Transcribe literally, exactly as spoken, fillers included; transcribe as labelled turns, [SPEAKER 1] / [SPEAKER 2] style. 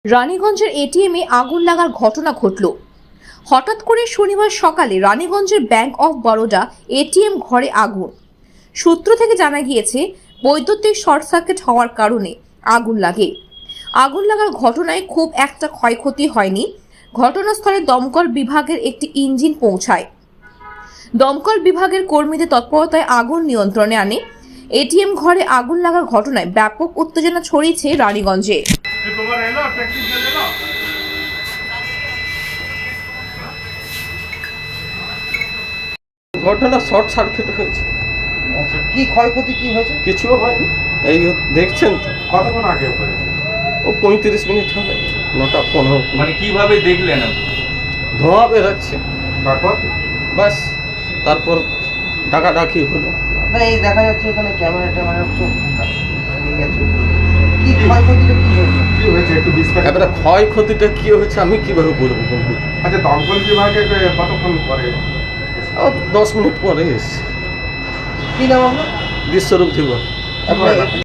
[SPEAKER 1] রানীগঞ্জের এটিএমে আগুন লাগার ঘটনা ঘটল। হঠাৎ করে শনিবার সকালে রানীগঞ্জের ব্যাংক অফ বরোডা এটিএম ঘরে আগুন। সূত্র থেকে জানা গিয়েছে বৈদ্যুতিক শর্ট সার্কিট হওয়ার কারণে আগুন লাগে। আগুন লাগার ঘটনায় খুব একটা ক্ষয়ক্ষতি হয়নি। ঘটনাস্থলে দমকল বিভাগের একটি ইঞ্জিন পৌঁছায়। দমকল বিভাগের কর্মীদের তৎপরতায় আগুন নিয়ন্ত্রণে আনে। এটিএম ঘরে আগুন লাগার ঘটনায় ব্যাপক উত্তেজনা ছড়িয়েছে রানীগঞ্জে।
[SPEAKER 2] ঘটনা শর্ট সার্কিট হয়েছে।
[SPEAKER 3] কি ক্ষয়ক্ষতি কি হয়েছে?
[SPEAKER 2] কিছুও হয়নি, এই দেখছেন তো।
[SPEAKER 4] কতক্ষণ আগে হয়েছে?
[SPEAKER 2] ও পঁয়ত্রিশ মিনিট হবে, নটা পনেরো।
[SPEAKER 5] মানে কিভাবে দেখলেন আপনি?
[SPEAKER 2] ধোঁয়া বেরোচ্ছে,
[SPEAKER 4] তারপর
[SPEAKER 2] বাস তারপর ডাকাডাকি হলো।
[SPEAKER 3] না, এই দেখা যাচ্ছে এখানে ক্যামেরা ট্যামেরা সব নিয়ে গেছে। কি ক্ষয়ক্ষতিটা কি হয়েছে?
[SPEAKER 4] কি হয়েছে একটু বিস্তারিত।
[SPEAKER 2] এবারে ক্ষয়ক্ষতিটা কি হয়েছে আমি কিভাবে বলবো বন্ধু?
[SPEAKER 4] আচ্ছা, দমকল বিভাগে কতক্ষণ পরে?
[SPEAKER 2] ও দশ মিনিট পরে এসছে।
[SPEAKER 3] কি নাম আপনার?
[SPEAKER 2] বিশ্বরূপ দিব।
[SPEAKER 3] আপনার